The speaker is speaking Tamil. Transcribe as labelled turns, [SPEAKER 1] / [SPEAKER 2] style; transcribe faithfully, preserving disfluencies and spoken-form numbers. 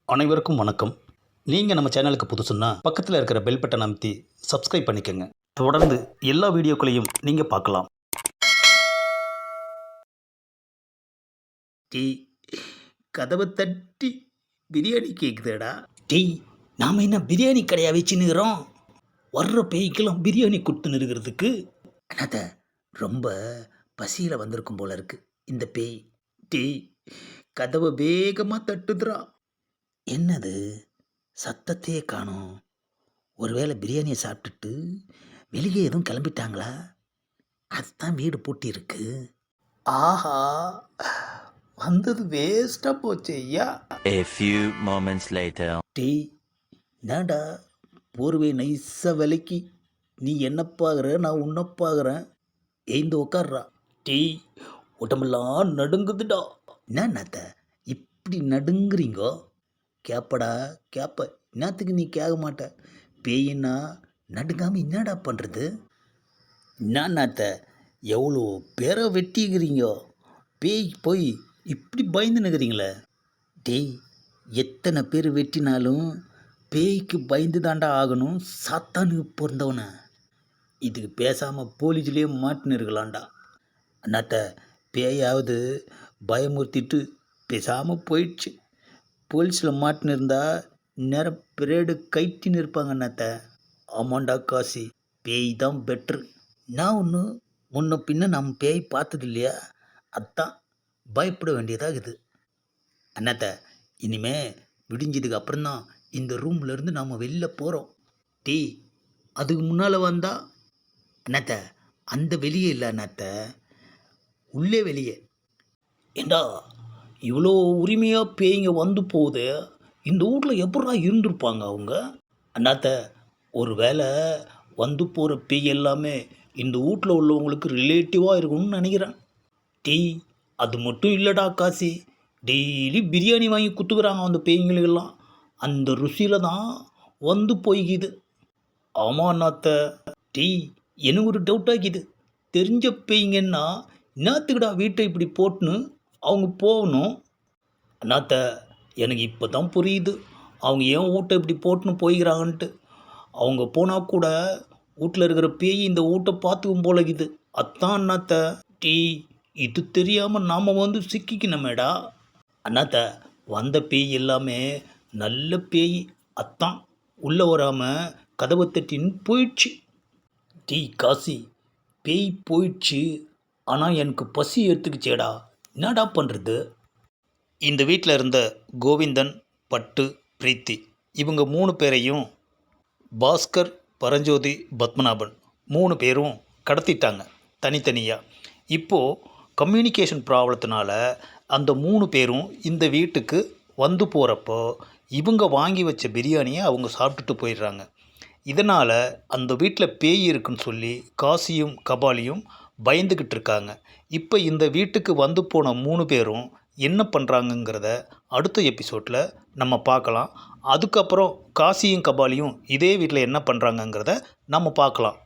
[SPEAKER 1] அனைவருக்கும் வணக்கம். நீங்கள் நம்ம சேனலுக்கு புதுசுன்னா பக்கத்தில் இருக்கிற பெல் பட்டன் அமைத்தி சப்ஸ்கிரைப் பண்ணிக்கோங்க. தொடர்ந்து எல்லா வீடியோக்களையும் நீங்கள் பார்க்கலாம்.
[SPEAKER 2] டீ கதவை தட்டி பிரியாணி கேட்குதேடா.
[SPEAKER 1] டீ நாம் என்ன பிரியாணி கடையாக வச்சுன்னுக்கிறோம்? வர்ற பேய்க்கெல்லாம் பிரியாணி கொடுத்துன்னு இருக்கிறதுக்கு.
[SPEAKER 2] அண்ணாத்த ரொம்ப பசியில் வந்திருக்கும் போல இருக்கு இந்த பேய். டீ கதவை வேகமாக தட்டுதுரா.
[SPEAKER 1] என்னது சத்தத்தையே காணோம்? ஒருவேளை பிரியாணியை சாப்பிட்டுட்டு வெளியே எதுவும் கிளம்பிட்டாங்களா? அதுதான் வீடு பூட்டி இருக்கு.
[SPEAKER 2] ஆஹா, வந்தது வேஸ்ட்டாக போச்சு ஐயா.
[SPEAKER 3] A few moments later.
[SPEAKER 2] டீ என்னடா போர்வை நைஸாக விலைக்கு நீ என்ன பார்க்குற, நான் உன்னை பார்க்குறேன். எழுந்து உக்காடுறா. டீ உடம்பெல்லாம் நடுங்குதுடா. என்ன நாத்த இப்படி நடுங்குறீங்கோ? கேப்படா கேப்ப. என்னத்துக்கு நீ கேட்க மாட்ட? பேயின்னா நடுங்காமல் என்னடா பண்ணுறது? என்ன நாத்த எவ்வளோ பேரை வெட்டிக்கிறீங்கோ, பேய் போய் இப்படி பயந்து நிற்கிறீங்களே. டேய் எத்தனை பேர் வெட்டினாலும் பேய்க்கு பயந்து தாண்டா ஆகணும். சாத்தானுக்கு பிறந்தவன இதுக்கு பேசாமல் போலீஸ்லேயே மாட்டின்னு இருக்கலாம்டா. அண்ணாத்த பேயாவது பயமுறுத்திட்டு பேசாமல் போயிடுச்சு. போலீஸில் மாட்டின்னு இருந்தால் நேரம் பிரேடு கைட்டின்னு இருப்பாங்க அண்ணாத்த. ஆமாண்டா காசி, பேய் தான் பெட்ரு. நான் ஒன்று முன்ன பின்ன நம்ம பேய் பார்த்தது இல்லையா, அதான் பயப்பட வேண்டியதாகுது. அண்ணாத்த இனிமே விடிஞ்சதுக்கு அப்புறம்தான் இந்த ரூம்லேருந்து நாம் வெளில போகிறோம். டீ அதுக்கு முன்னால் வந்தா அண்ணாத்த அந்த வெளியே இல்லை அண்ணாத்த, உள்ளே வெளியே. ஏண்டா இவ்வளோ உரிமையாக பேய்ங்க வந்து போகுது, இந்த வீட்டில் எப்படா இருந்திருப்பாங்க அவங்க? அண்ணாத்த ஒரு வேளை வந்து போகிற பேய் எல்லாமே இந்த வீட்டில் உள்ளவங்களுக்கு ரிலேட்டிவாக இருக்கும்னு நினைக்கிறேன். டீ அது மட்டும் இல்லைடா காசி, டெய்லி பிரியாணி வாங்கி குத்துக்கிறாங்க அந்த பேய்ங்களுக்கெல்லாம். அந்த ருசியில் தான் வந்து போய்க்குது. ஆமாம் அண்ணாத்த. டீ எனக்கு ஒரு டவுட் ஆகிக்குது. தெரிஞ்ச பேய்ங்கன்னா என்னத்துக்குடா வீட்டை இப்படி போட்டுன்னு அவங்க போகணும்? அண்ணாத்த எனக்கு இப்போ தான் புரியுது அவங்க ஏன் வீட்டை இப்படி போட்டுன்னு போய்க்கிறாங்கன்ட்டு. அவங்க போனால் கூட வீட்டில் இருக்கிற பேய் இந்த வீட்டை பார்த்துக்கும் போலக்குது. அதான் அண்ணாத்த. டீ இது தெரியாமல் நாம் வந்து சிக்கிக்கணுமேடா. அண்ணாத்த வந்த பேய் எல்லாமே நல்ல பேய், அத்தான் உள்ளே வராமல் கதவை தட்டின்னு போயிடுச்சு. டீ காசி பேய் போயிடுச்சு, ஆனால் எனக்கு பசி எடுத்துக்கிச்சேடா, என்னடா பண்ணுறது? இந்த வீட்டில் இருந்த கோவிந்தன், பட்டு, பிரீத்தி இவங்க மூணு பேரையும் பாஸ்கர், பரஞ்சோதி, பத்மநாபன் மூணு பேரும் கடத்திட்டாங்க தனித்தனியாக. இப்போது கம்யூனிகேஷன் ப்ராப்ளத்தினால அந்த மூணு பேரும் இந்த வீட்டுக்கு வந்து போகிறப்போ இவங்க வாங்கி வச்ச பிரியாணியை அவங்க சாப்பிட்டுட்டு போயிடுறாங்க. இதனால் அந்த வீட்டில் பேய் இருக்குன்னு சொல்லி காசியும் கபாலியும் பயந்துக்கிட்டு இருக்காங்க. இப்போ இந்த வீட்டுக்கு வந்து போன மூணு பேரும் என்ன பண்ணுறாங்கங்கிறத அடுத்த எபிசோடில் நம்ம பார்க்கலாம். அதுக்கப்புறம் காசியும் கபாலியும் இதே வீட்டில் என்ன பண்ணுறாங்கங்கிறத நம்ம பார்க்கலாம்.